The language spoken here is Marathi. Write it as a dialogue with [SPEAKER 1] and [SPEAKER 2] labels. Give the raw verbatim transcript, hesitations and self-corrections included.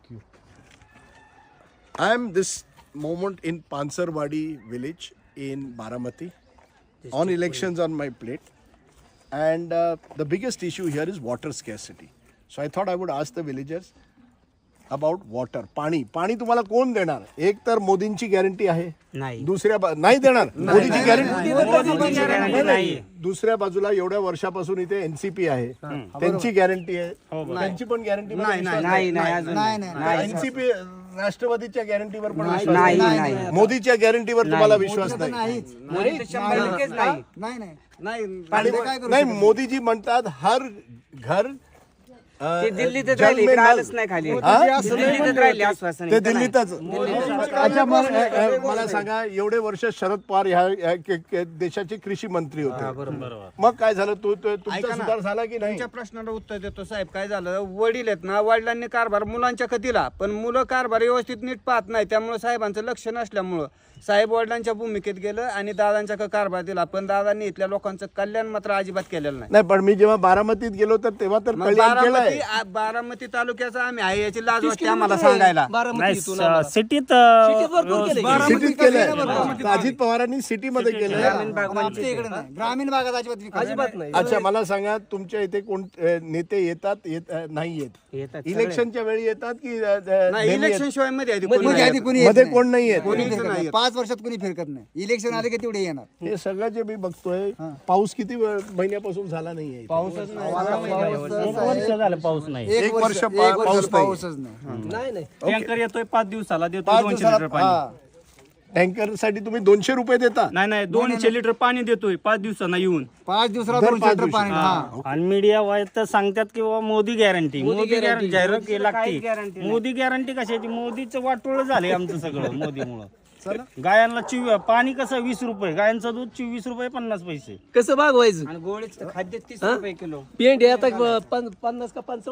[SPEAKER 1] you.
[SPEAKER 2] I am this moment in Pansarwadi village in Baramati. On elections on my plate. And uh, the biggest issue here is water scarcity. So I thought I would ask the villagers about water. पाणी पाणी तुम्हाला कोण देणार? एक तर मोदींची गॅरंटी आहे, दुसऱ्या नाही देणार. मोदीची गॅरंटी नाही. दुसऱ्या बाजूला एवढ्या वर्षापासून इथे एनसीपी आहे, त्यांची गॅरंटी आहे, त्यांची पण गॅरंटी नाही. एनसीपी राष्ट्रवादीच्या गॅरंटीवर पण विश्वास नाही, मोदीच्या गॅरंटीवर तुम्हाला विश्वास नाही. नाही, मोदीजी म्हणतात हर घर
[SPEAKER 3] ते दिल्लीतच राहिले, इकडे आलंच नाही खाली. दिल्लीतच राहिले आश्वासन.
[SPEAKER 2] ते दिल्लीतच. अच्छा, मला सांगा, एवढे वर्ष शरद पवार ह्या देशाचे कृषी मंत्री होते, मग काय झालं? तो तुमचा सुधार झाला की नाही?
[SPEAKER 3] तुमच्या प्रश्नाला उत्तर देतो साहेब. काय झालं, वडील आहेत ना, वडिलांनी कारभार मुलांच्या कधीला, पण मुलं कारभार व्यवस्थित नीट पाहत नाही, त्यामुळे साहेबांचं लक्ष नसल्यामुळं साहेब वडिलांच्या भूमिकेत गेलं आणि दादांच्या कारभार दिला, पण दादांनी इथल्या लोकांचं कल्याण मात्र अजिबात केलेलं नाही.
[SPEAKER 2] नाही, पण मी जेव्हा बारामतीत गेलो तर तेव्हा तर कल्याण केलंय.
[SPEAKER 3] बारामती तालुक्याचा आम्ही आहे याची लाज वाटते आम्हाला सांगायला.
[SPEAKER 4] सिटीत
[SPEAKER 2] सिटीत केलंय, अजित पवारांनी सिटी मध्ये केलंय.
[SPEAKER 3] ग्रामीण भागात अजिबात नाही.
[SPEAKER 2] अच्छा, मला सांगा, तुमच्या इथे कोण नेते येतात नाही येत? इलेक्शनच्या वेळी येतात की
[SPEAKER 3] इलेक्शन शिवाय मध्ये
[SPEAKER 2] मध्ये कोण नाही येत?
[SPEAKER 3] पाच वर्षात कोणी फिरकत नाही. इलेक्शन आले की तेवढे येणार.
[SPEAKER 2] हे सगळं जे मी बघतोय, पाऊस किती वेळ- महिन्यापासून झाला नाहीये?
[SPEAKER 3] पाऊसच नाही.
[SPEAKER 4] वर्ष झालं पाऊस नाही.
[SPEAKER 2] एक वर्ष पा- पाऊस
[SPEAKER 3] पाऊसच नाही.
[SPEAKER 4] टँकर येतोय पाच दिवसाला, देतो
[SPEAKER 2] पाच
[SPEAKER 4] दोनशे
[SPEAKER 2] दिवसाला
[SPEAKER 4] लिटर पाणी.
[SPEAKER 2] टँकर साठी तुम्ही दोनशे रुपये देता?
[SPEAKER 4] नाही नाही, दोनशे लिटर पाणी देतोय पाच दिवसांना येऊन.
[SPEAKER 3] पाच दिवसाला
[SPEAKER 2] दर
[SPEAKER 3] दोनशे
[SPEAKER 2] पाच
[SPEAKER 3] लिटर
[SPEAKER 2] दिवशी.
[SPEAKER 3] पाणी. हा.
[SPEAKER 4] आणि मीडिया वाईज तर सांगतात की बाबा मोदी गॅरंटी, मोदी गॅरंटी जाहिरात केली लागते. मोदी गॅरंटी कशाची? मोदीचं वाटोळ झालंय आमचं सगळं मोदीमुळं. गायांना चिव पाणी कसं वीस रुपये, गायांचं दूध चोवीस रुपये पन्नास पैसे.
[SPEAKER 1] कसं भागवायचं?
[SPEAKER 3] आणि गोळीचं खाद्य तीस रुपये किलो.
[SPEAKER 1] पेंड आता पन्नास का पंचावन्न